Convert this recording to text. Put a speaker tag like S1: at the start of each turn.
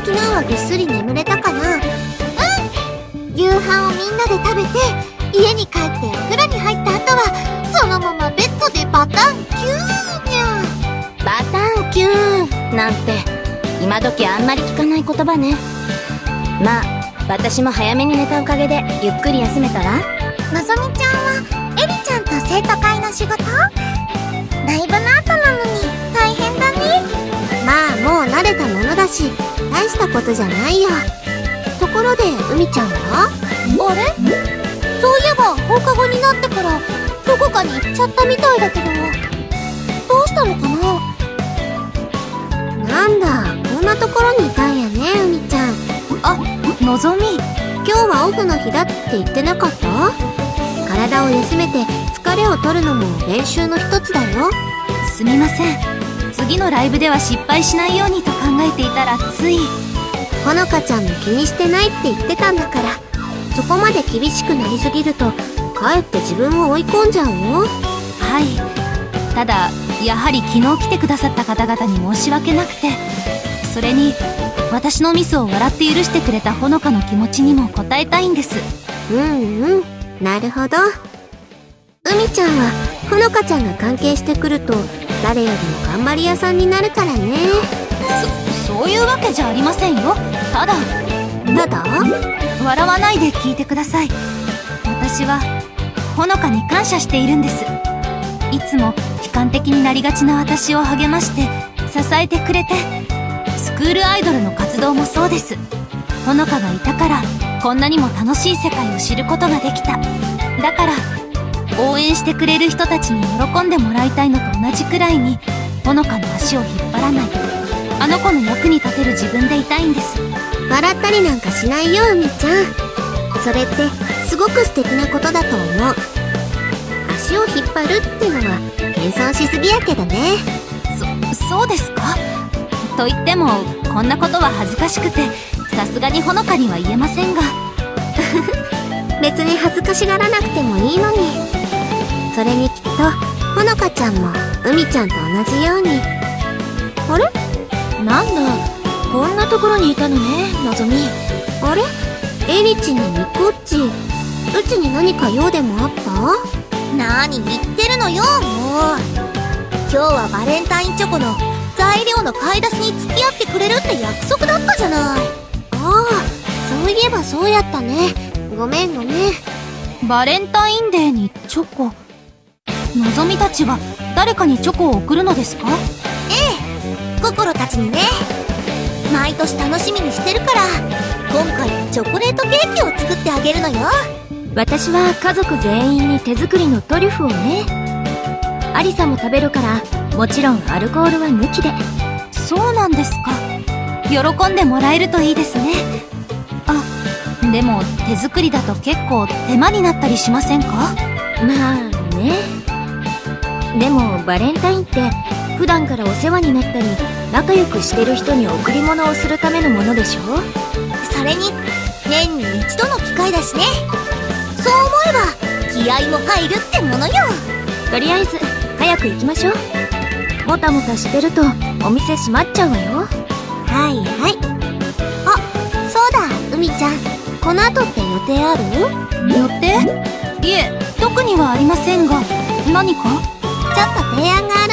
S1: 昨日はぐっすり眠れたかな？夕飯をみんなで食べて、家に帰ってお風呂に入った後はそのままベッドでバタンキューにゃ。
S2: バタンキューなんて今時あんまり聞かない言葉ね。まあ私も早めに寝たおかげでゆっくり休めたわ。
S1: のぞみちゃんはエリちゃんと生徒会の仕事？ライブの後なのに大変だね。まあもう慣れたものだし大したことじゃないよ。ところで海ちゃんは？あれ？そういえば放課後になってからどこかに行っちゃったみたいだけど、どうしたのかな？なんだ、こんなところにいたんやね、海ちゃん。
S3: あ、のぞみ。
S1: 今日はオフの日だって言ってなかった？体を休めて疲れを取るのも練習の一つだよ。
S3: すみません。次のライブでは失敗しないようにと考えていたらつい。
S1: ほのかちゃんも気にしてないって言ってたんだから、そこまで厳しくなりすぎるとかえって自分を追い込んじゃうよ。
S3: はい。ただやはり昨日来てくださった方々に申し訳なくて、それに私のミスを笑って許してくれたほのかの気持ちにも応えたいんです。
S1: なるほど。海ちゃんはほのかちゃんが関係してくると誰よりも頑張り屋さんになるからね。
S3: そういうわけじゃありませんよ。ただ笑わないで聞いてください。私はほのかに感謝しているんです。いつも悲観的になりがちな私を励まして支えてくれて、スクールアイドルの活動もそうです。ほのかがいたからこんなにも楽しい世界を知ることができた。だから応援してくれる人たちに喜んでもらいたいのと同じくらいにほのかの足を引っ張らない、あの子の役に立てる自分でいたいんです。
S1: 笑ったりなんかしないよ、海ちゃん。それってすごく素敵なことだと思う。足を引っ張るってのは謙遜しすぎやけどね。
S3: そうですか？と言ってもこんなことは恥ずかしくてさすがにほのかには言えませんが
S1: 別に恥ずかしがらなくてもいいのに。それにきっとほのかちゃんも海ちゃんと同じように。あれ？
S2: なんだ、こんなところにいたのね、のぞみ。
S1: あれ？エリチにミコッチ、うちに何か用でもあった？何言ってるのよ、もう。今日はバレンタインチョコの材料の買い出しに付き合ってくれるって約束だったじゃない。ああ、そういえばそうやったね。ごめん。
S3: バレンタインデーにチョコ。のぞみたちは誰かにチョコを送るのですか？
S1: ええ、心たちにね。毎年楽しみにしてるから、今回はチョコレートケーキを作ってあげるのよ。
S2: 私は家族全員に手作りのトリュフをね。アリサも食べるから、もちろんアルコールは抜きで。
S3: そうなんですか。喜んでもらえるといいですね。あ、でも手作りだと結構手間になったりしませんか？
S2: まあね。でもバレンタインって普段からお世話になったり仲良くしてる人に贈り物をするためのものでしょ？
S1: それに年に一度の機会だしね。そう思えば気合も入るってものよ。
S2: とりあえず早く行きましょう。もたもたしてるとお店閉まっちゃうわよ。
S1: はい。あ、そうだ、海ちゃん、この後って予定ある？
S3: 予定？いえ、特にはありませんが、何か？
S1: ちょっと提案が